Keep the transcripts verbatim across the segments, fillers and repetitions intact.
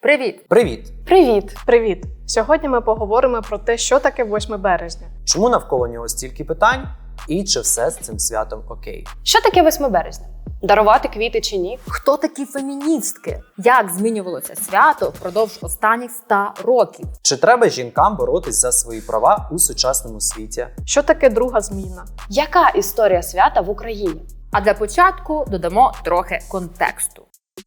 Привіт! Привіт! Привіт! Привіт! Сьогодні ми поговоримо про те, що таке восьме березня. Чому навколо нього стільки питань і чи все з цим святом окей? Що таке восьме березня? Дарувати квіти чи ні? Хто такі феміністки? Як змінювалося свято впродовж останніх ста років? Чи треба жінкам боротись за свої права у сучасному світі? Що таке друга зміна? Яка історія свята в Україні? А для початку додамо трохи контексту.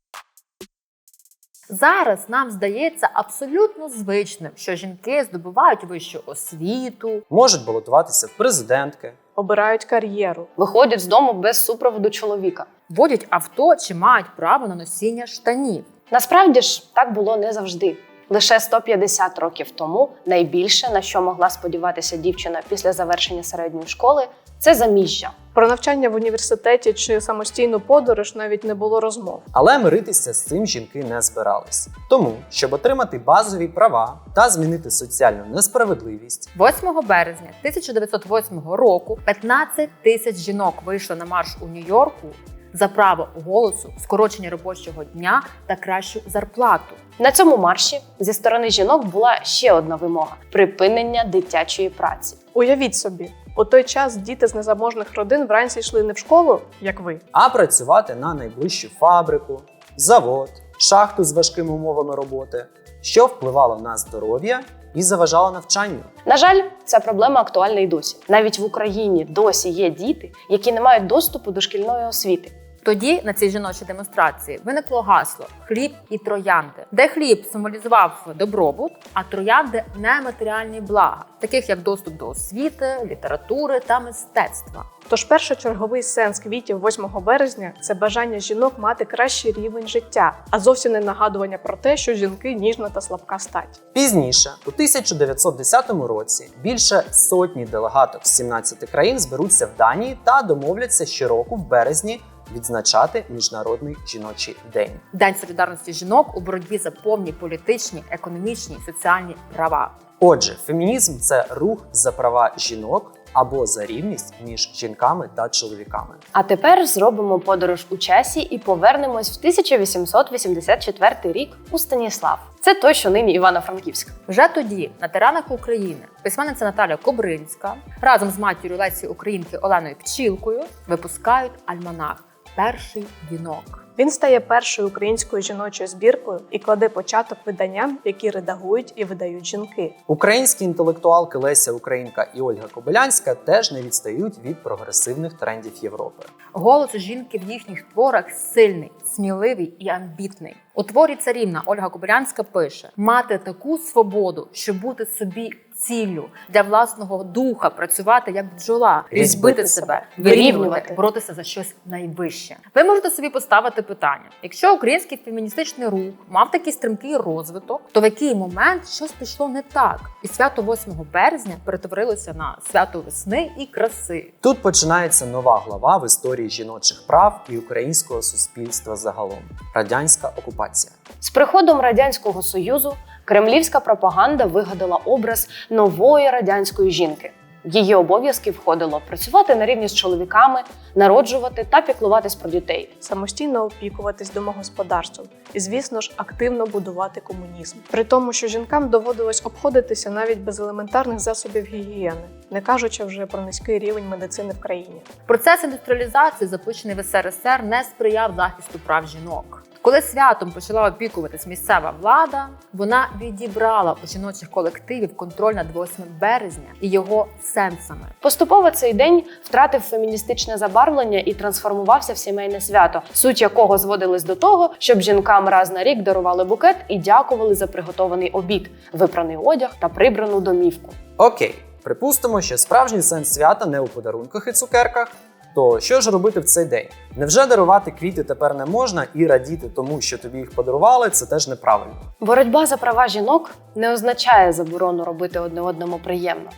Зараз нам здається абсолютно звичним, що жінки здобувають вищу освіту, Можуть балотуватися в президентки. Обирають кар'єру. Виходять з дому без супроводу чоловіка. водять авто чи мають право на носіння штанів. Насправді ж, так було не завжди. Лише сто п'ятдесят років тому найбільше, на що могла сподіватися дівчина після завершення середньої школи, це заміжжя. Про навчання в університеті чи самостійну подорож навіть не було розмов. Але миритися з цим жінки не збирались. Тому, щоб отримати базові права та змінити соціальну несправедливість, восьмого березня тисяча дев'ятсот восьмого року п'ятнадцять тисяч жінок вийшли на марш у Нью-Йорку за право голосу, скорочення робочого дня та кращу зарплату. На цьому марші зі сторони жінок була ще одна вимога – припинення дитячої праці. Уявіть собі, у той час діти з незаможних родин вранці йшли не в школу, як ви, а працювати на найближчу фабрику, завод, шахту з важкими умовами роботи, що впливало на здоров'я і заважало навчанню. На жаль, ця проблема актуальна і досі. Навіть в Україні досі є діти, які не мають доступу до шкільної освіти. Тоді на цій жіночій демонстрації виникло гасло «Хліб і троянди», де хліб символізував добробут, а троянди – нематеріальні блага, таких як доступ до освіти, літератури та мистецтва. Тож першочерговий сенс квітів восьмого березня – це бажання жінок мати кращий рівень життя, а зовсім не нагадування про те, що жінки – ніжна та слабка стать. Пізніше, у тисяча дев'ятсот десятому році, більше сотні делегаток з сімнадцяти країн зберуться в Данії та домовляться щороку в березні відзначати Міжнародний жіночий день. День солідарності жінок у боротьбі за повні політичні, економічні і соціальні права. Отже, фемінізм – це рух за права жінок або за рівність між жінками та чоловіками. А тепер зробимо подорож у часі і повернемось в тисяча вісімсот вісімдесят четвертий рік у Станіслав. Це той, що нині Івано-Франківськ. Вже тоді на теренах України письменниця Наталя Кобринська разом з матір'ю Лесі Українки Оленою Пчілкою випускають альманах «Перший вінок». Він стає першою українською жіночою збіркою і кладе початок виданням, які редагують і видають жінки. Українські інтелектуалки Леся Українка і Ольга Кобилянська теж не відстають від прогресивних трендів Європи. Голос жінки в їхніх творах сильний, сміливий і амбітний. У творі «Царівна» Ольга Кобилянська пише: «Мати таку свободу, щоб бути собі ціллю, для власного духа працювати як бджола, різьбити себе, вирівнювати, боротися за щось найвище». Ви можете собі поставити питання: якщо український феміністичний рух мав такий стрімкий розвиток, то в який момент щось пішло не так? І свято восьмого березня перетворилося на свято весни і краси. Тут починається нова глава в історії жіночих прав і українського суспільства загалом – радянська окупація. З приходом Радянського Союзу кремлівська пропаганда вигадала образ нової радянської жінки. В її обов'язки входило працювати на рівні з чоловіками, народжувати та піклуватись про дітей. Самостійно опікуватись домогосподарством і, звісно ж, активно будувати комунізм. При тому, що жінкам доводилось обходитися навіть без елементарних засобів гігієни, не кажучи вже про низький рівень медицини в країні. Процес індустріалізації, запущений в ес ер ес ер, не сприяв захисту прав жінок. Коли святом почала опікуватись місцева влада, вона відібрала у жіночих колективів контроль над восьмим березня і його сенсами. Поступово цей день втратив феміністичне забарвлення і трансформувався в сімейне свято, суть якого зводилась до того, щоб жінкам раз на рік дарували букет і дякували за приготований обід, випраний одяг та прибрану домівку. Окей, припустимо, що справжній сенс свята не у подарунках і цукерках. То що ж робити в цей день? Невже дарувати квіти тепер не можна і радіти тому, що тобі їх подарували, це теж неправильно? Боротьба за права жінок не означає заборону робити одне одному приємно.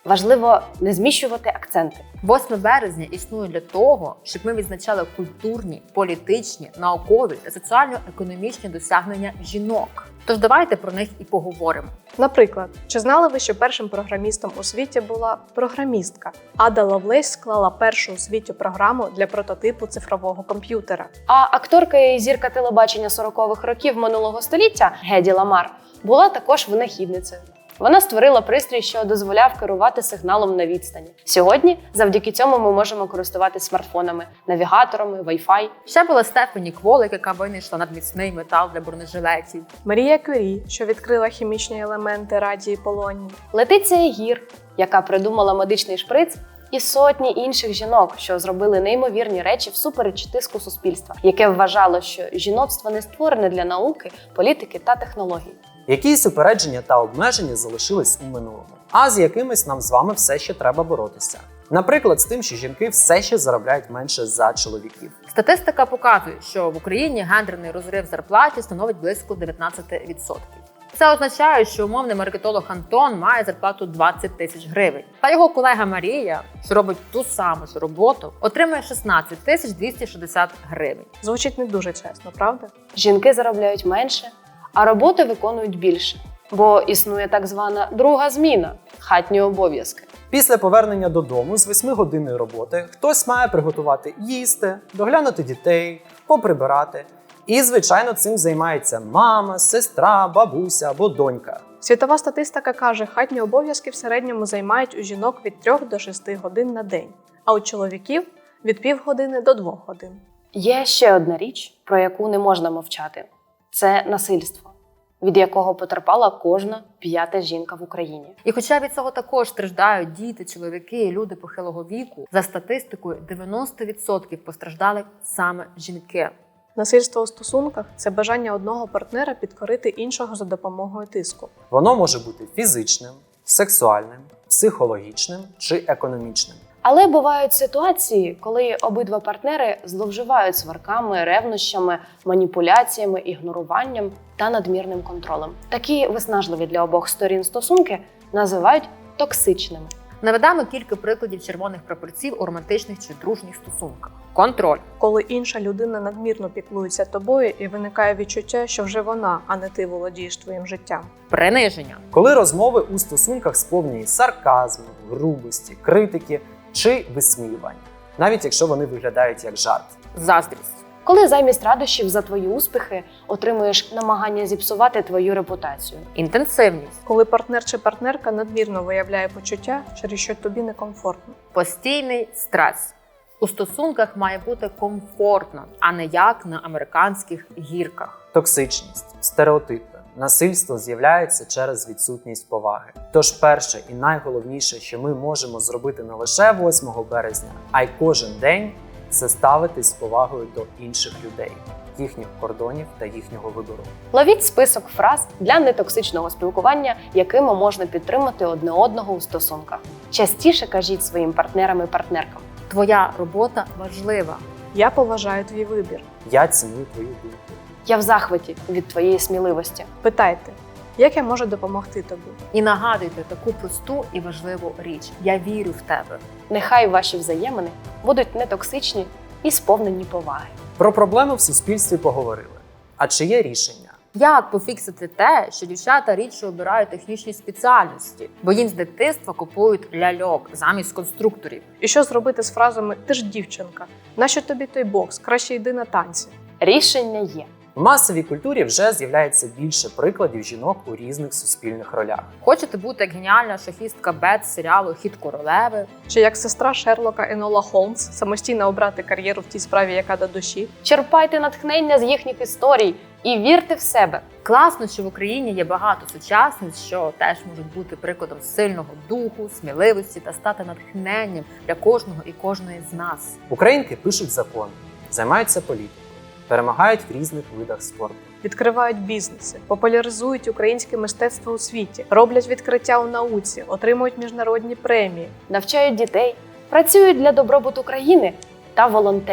Важливо не зміщувати акценти. восьме березня існує для того, щоб ми відзначали культурні, політичні, наукові та соціально-економічні досягнення жінок. Тож давайте про них і поговоримо. Наприклад, чи знали ви, що першим програмістом у світі була програмістка? Ада Ловлейс склала першу у світі програму для прототипу цифрового комп'ютера. А акторка і зірка телебачення сорокових років минулого століття Геді Ламар була також винахідницею. Вона створила пристрій, що дозволяв керувати сигналом на відстані. Сьогодні завдяки цьому ми можемо користуватися смартфонами, навігаторами, Wi-Fi. Ще була Стефані Кволик, яка винайшла надміцний метал для бронежилетів. Марія Кюрі, що відкрила хімічні елементи радії полонії. Летиція Гір, яка придумала медичний шприц, і сотні інших жінок, що зробили неймовірні речі всупереч тиску суспільства, яке вважало, що жіноцтво не створене для науки, політики та технологій. Якісь упередження та обмеження залишились у минулому, а з якимись нам з вами все ще треба боротися. Наприклад, з тим, що жінки все ще заробляють менше за чоловіків. Статистика показує, що в Україні гендерний розрив в зарплаті становить близько дев'ятнадцять відсотків. Це означає, що умовний маркетолог Антон має зарплату двадцять тисяч гривень. Та його колега Марія, що робить ту саму ж роботу, отримує шістнадцять тисяч двісті шістдесят гривень. Звучить не дуже чесно, правда? Жінки заробляють менше, а роботи виконують більше. Бо існує так звана друга зміна – хатні обов'язки. Після повернення додому з восьмигодинної роботи хтось має приготувати їсти, доглянути дітей, поприбирати. І, звичайно, цим займається мама, сестра, бабуся або донька. Світова статистика каже, хатні обов'язки в середньому займають у жінок від трьох до шести годин на день, а у чоловіків – від півгодини до двох годин. Є ще одна річ, про яку не можна мовчати – це насильство, від якого потерпала кожна п'ята жінка в Україні. І хоча від цього також страждають діти, чоловіки і люди похилого віку, за статистикою дев'яносто відсотків постраждали саме жінки. Насильство у стосунках – це бажання одного партнера підкорити іншого за допомогою тиску. Воно може бути фізичним, сексуальним, психологічним чи економічним. Але бувають ситуації, коли обидва партнери зловживають сварками, ревнощами, маніпуляціями, ігноруванням та надмірним контролем. Такі виснажливі для обох сторін стосунки називають токсичними. Наведемо кілька прикладів червоних прапорців у романтичних чи дружніх стосунках. Контроль. Коли інша людина надмірно піклується тобою і виникає відчуття, що вже вона, а не ти володієш твоїм життям. Приниження. Коли розмови у стосунках сповнені сарказму, грубості, критики чи висміювань, навіть якщо вони виглядають як жарт. Заздрість. Коли замість радощів за твої успіхи отримуєш намагання зіпсувати твою репутацію. Інтенсивність. Коли партнер чи партнерка надмірно виявляє почуття, через що тобі некомфортно. Постійний стрес. У стосунках має бути комфортно, а не як на американських гірках. Токсичність, стереотипи, насильство з'являється через відсутність поваги. Тож перше і найголовніше, що ми можемо зробити не лише восьмого березня, а й кожен день – це ставитись з повагою до інших людей, їхніх кордонів та їхнього вибору. Ловіть список фраз для нетоксичного спілкування, якими можна підтримати одне одного у стосунках. Частіше кажіть своїм партнерам і партнеркам. Твоя робота важлива. Я поважаю твій вибір. Я ціную твою думку. Я в захваті від твоєї сміливості. Питайте, як я можу допомогти тобі? І нагадуйте таку просту і важливу річ. Я вірю в тебе. Нехай ваші взаємини будуть нетоксичні і сповнені поваги. Про проблеми в суспільстві поговорили. А чи є рішення? Як пофіксити те, що дівчата рідше обирають технічні спеціальності, бо їм з дитинства купують ляльок замість конструкторів? І що зробити з фразами «ти ж дівчинка», «нащо тобі той бокс, краще йди на танці»? Рішення є. В масовій культурі вже з'являється більше прикладів жінок у різних суспільних ролях. Хочете бути як геніальна шахістка Бет з серіалу «Хід королеви»? Чи як сестра Шерлока Енола Холмс самостійно обрати кар'єру в тій справі, яка до душі? Черпайте натхнення з їхніх історій і вірте в себе. Класно, що в Україні є багато сучасниць, що теж можуть бути прикладом сильного духу, сміливості та стати натхненням для кожного і кожної з нас. Українки пишуть закони, займаються політикою, перемагають в різних видах спорту. Відкривають бізнеси, популяризують українське мистецтво у світі, роблять відкриття у науці, отримують міжнародні премії. Навчають дітей, працюють для добробуту країни та волонтерять.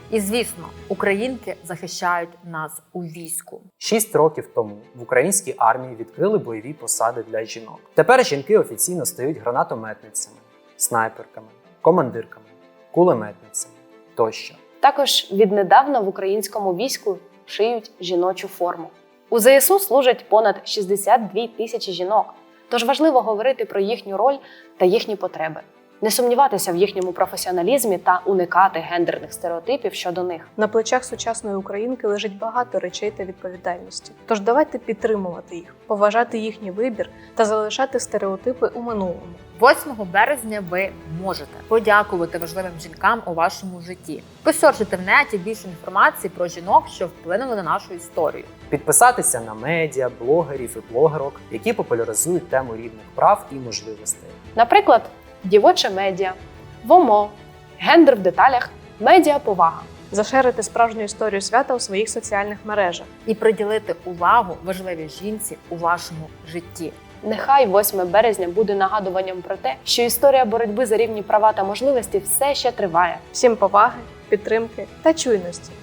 І звісно, українки захищають нас у війську. Шість років тому в українській армії відкрили бойові посади для жінок. Тепер жінки офіційно стають гранатометницями, снайперками, командирками, кулеметницями тощо. Також віднедавна в українському війську шиють жіночу форму. У ЗСУ служать понад шістдесят дві тисячі жінок, тож важливо говорити про їхню роль та їхні потреби. Не сумніватися в їхньому професіоналізмі та уникати гендерних стереотипів щодо них. На плечах сучасної українки лежить багато речей та відповідальності. Тож давайте підтримувати їх, поважати їхній вибір та залишати стереотипи у минулому. восьмого березня ви можете подякувати важливим жінкам у вашому житті. Посерчите в неті більше інформації про жінок, що вплинули на нашу історію. Підписатися на медіа, блогерів і блогерок, які популяризують тему рівних прав і можливостей. Наприклад, дівоче медіа, ВОМО, гендер в деталях, медіаповага. Зашерити справжню історію свята у своїх соціальних мережах. І приділити увагу важливій жінці у вашому житті. Нехай восьме березня буде нагадуванням про те, що історія боротьби за рівні права та можливості все ще триває. Всім поваги, підтримки та чуйності.